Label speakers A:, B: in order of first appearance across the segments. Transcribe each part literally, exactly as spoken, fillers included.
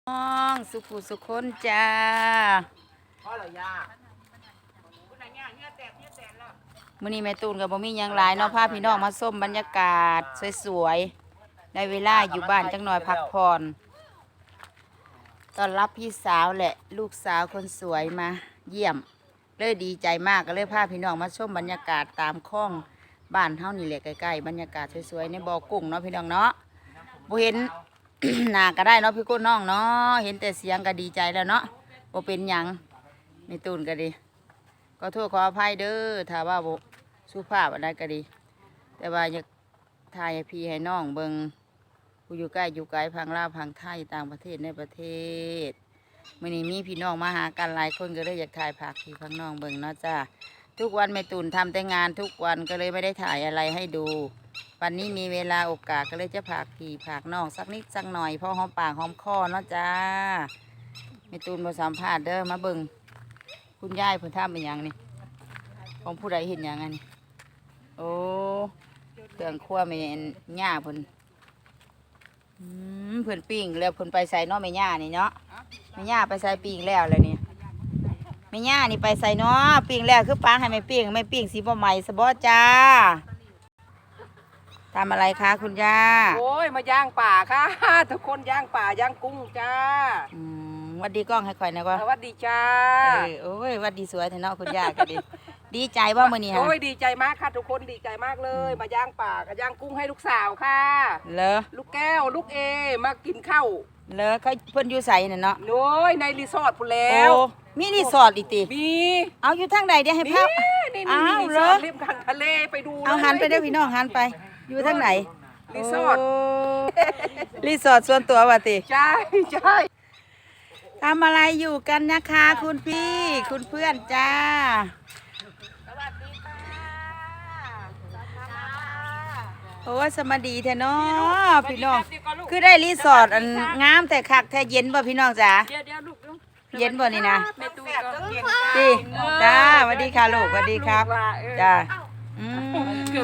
A: น้องสุขุสุคนจ้ามื้อนี้แม่ตูนกับบ่มีหยังหลายเนาะพาพี่น้องมาส้มบรรยากาศสวยๆได้เวลาอยู่บ้านจังหน่อยพักผ่อนต้อนรับพี่สาวแหละลูกสาวคนสวยมาเยี่ยมเลยดีใจมากก็เลยพาพี่น้องมาชมบรรยากาศตามคลองบ้านเฮานี่แหละใกล้ๆบรรยากาศสวยๆในบ่อกุ้งเนาะพี่น้องเนาะบ่เห็น หน้าก็ได้เนาะพี่กุ้น้องเนาะเห็นแต่เสียงก็ดีใจแล้วเนาะบ่เป็นหยังไม่ตูนก็ดีก็โทษขออภัยเด้อถ้าว่าบ่สุภาพอะไรก็ดีแต่ว่าอยากถ่ายให้พี่ให้น้องเบิ่งผู้อยู่ใกล้อยู่ไกลพังลาวพังไทยต่างประเทศในประเทศมื้อนี้มีพี่น้องมาหากันหลายคนก็เลยอยากถ่ายผักพี่พังน้องเบิ่งเนาะจ้าทุกวันแม่ตูนทำแต่งานทุกวันก็เลยไม่ได้ถ่ายอะไรให้ดูวันนี้มีเวลาโอกาสก็เลยจะผากผีผากน้องสักนิดสักหน่อยเพราะหอมปากหอมคอเนาะจ้ามีตูนมาสัมภาษณ์เด้อมาเบิ่งคุณยายเพิ่นทำเป็นอย่างนี่ของผู้ใดเห็นอย่างนั้นโอ้เครื่องครัวแม่ย่าเพิ่นอืมเพิ่นปิ้งแล้วเพิ่นไปใส่เนาะแม่ย่านี่เนาะแม่ย่าไปใส่ปิ้งแล้วเลยนี่แม่ย่านี่ไปใส่เนาะปิ้งแล้วคือปางให้แม่ปิ้งไม่ปิ้งสีบ่ใหม่สะบ่จ้าทำอะไรคะคุณย่า
B: โอ้ยมาย่างป่าค่ะทุกคนย่างป่าย่างกุ้งจ้า
A: อืมวัดดีกล้องให้ข่อยนะว่า
B: สวัสดีจ้า
A: เออโอ้ยวัดดีสวยแท้เนาะคุณย่าก็ดีดีใจว่ามื้อนี้ฮะ
B: โอ้ยดีใจมากค่ะทุกคนดีใจมากเลยมาย่างป่ากับย่างกุ้งให้ลูกสาวค่ะ
A: เหรอ
B: ลูกแก้วลูกเอมากินข้าว
A: เหรอเขาเพิ่นอยู่ไสน่ะเนาะ
B: โอ้ยในรีสอร์ทพู้นแล้ว
A: มีรีสอร์ทอีกติ
B: มี
A: เอาอยู่ทางใดเดี๋ยวให้ภาพ
B: อ้าวเหรอริมทางทะเลไปดู
A: เอาหันไปเด้อพี่น้องหันไปอยู่ทางไหน
B: รีสอร์ท
A: รีสอร์ทส่วนตัวว่ะติ
B: ใช่ใช่
A: ทำอะไรอยู่กันนะคะคุณพี่คุณเพื่อนจ้า
B: สวัสดีค่ะ
A: โอ้สมาดีแท้เนาะพี่น้องคือได้รีสอร์ทอันงามแต่คักแท้เย็นบ่พี่น้องจ๋า
B: เดี๋ยวเดี๋ยวลูก
A: เย็นบ่นี่นะ
B: ดี
A: จ้าสวัสดีค่ะลูกสวัสดีครับจ้าอืม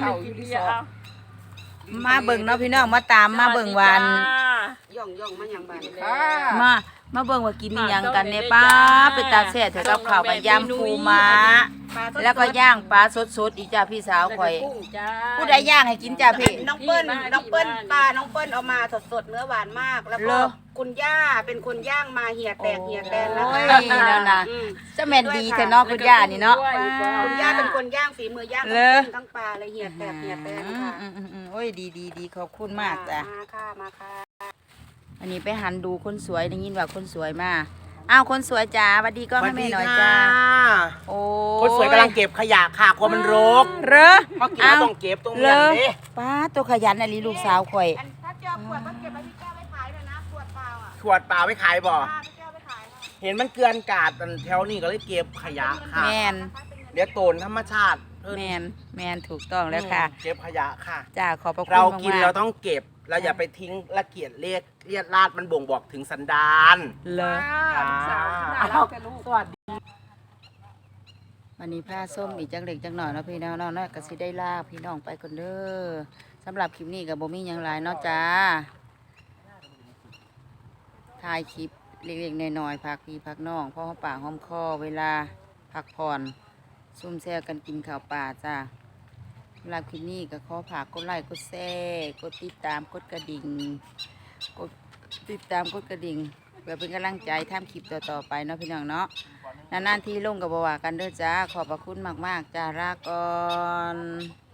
A: มาเบิ่งเนาะพี่น้องมาตามมาเบิ่งวัน
B: ย่องย่องมาอย่างบ้าน
A: มามาเบิ่งว่ากินมีหยังกันเนี่ยป้าเป็นตาแซ่บเถอะกับข้าวกับยำปูม้าแล้วก็ย่างปลาสดๆอีกจ้าพี่สาวข่อยผู้ใดย่างให้กินจ้าพี่
C: น้องเปิ้ลน้องเปิ้ลปลาน้องเปิ้ลเอามาสดๆเนื้อหวานมากแล้วก็คุณย่าเป็นคนย่างมาเหี่ยแตกเหี่ยแตนนะคะ
A: นั่นน่ะจะแม่นดีแท้เนาะคุณย่านี่เนาะ
C: คุณย่าเป็นคนย่างฝีมือย่างทั้งทั้งปลาเลยเหี่ยแตกเหี่ยแตนค่ะ
A: โอ้ยดีๆๆขอบคุณมากจ้ะ
C: มาค่ะมาค่ะ
A: อันนี้ไปหันดูคนสวยได้ยินว่าคนสวยมาอ้าวคนสวยจ้าสวัสดีก็ให้แม่หน่อยจ้า
D: โอ้คนสวยกำลังเก็บขยะค่ะกลัวมันรก
A: เหรอ
D: เพราะกินแล้วต้องเก็บตรงนี้เลย
A: ป้าตัวขยันอะไรลูกสาวข่อย
C: ถ้าเจอขวดก็เก็บไว้พี่แก้วไว้ขายเลยนะขวดเปล่าอ่ะ
D: ขวดเปล่าไว้ขายบ่เห็นมันเกลื่อนกาดแถวนี้ก็เลยเก็บขยะค่ะ
A: แมน
D: เดี๋ยวโตนธรรมชาติ
A: แมนแมนถูกต้องแล้วค่ะ
D: เก็บขยะค่ะ
A: จ้าขอบพระคุณ
D: เรากินเราต้องเก็บเราอย่าไปทิ้งละเกียดเรียกเรียดลาดมันบ่งบอกถึงสันดาน
A: เลย
B: สวัสดี
A: วันนี้ผ้าส้มอีกจังเล็กจังหน่อยเนาะพี่น้องเนาะเนาะก็สิได้ลาพี่น้องไปคนเด้อสำหรับคลิปนี้กับโบมี่ยังไรเนาะจ้าถ่ายคลิปเล็กๆน้อยๆพักพี่พักน้องเพราะปากหอมคอเวลาพักผ่อนซุ่มแซ่กันกินข้าวป่าจ้าสำหรับคลิปนี้ก็ขอฝากกดไลค์กดแชร์กดติดตามกดกระดิ่งกดติดตามกดกระดิ่งเพื่อเป็นกำลังใจทำคลิปต่อๆไปเนาะพี่น้องเนาะนานๆที่ลงกับบว่ากันเด้อจ้าขอบพระคุณมากๆจ้าลาก่อน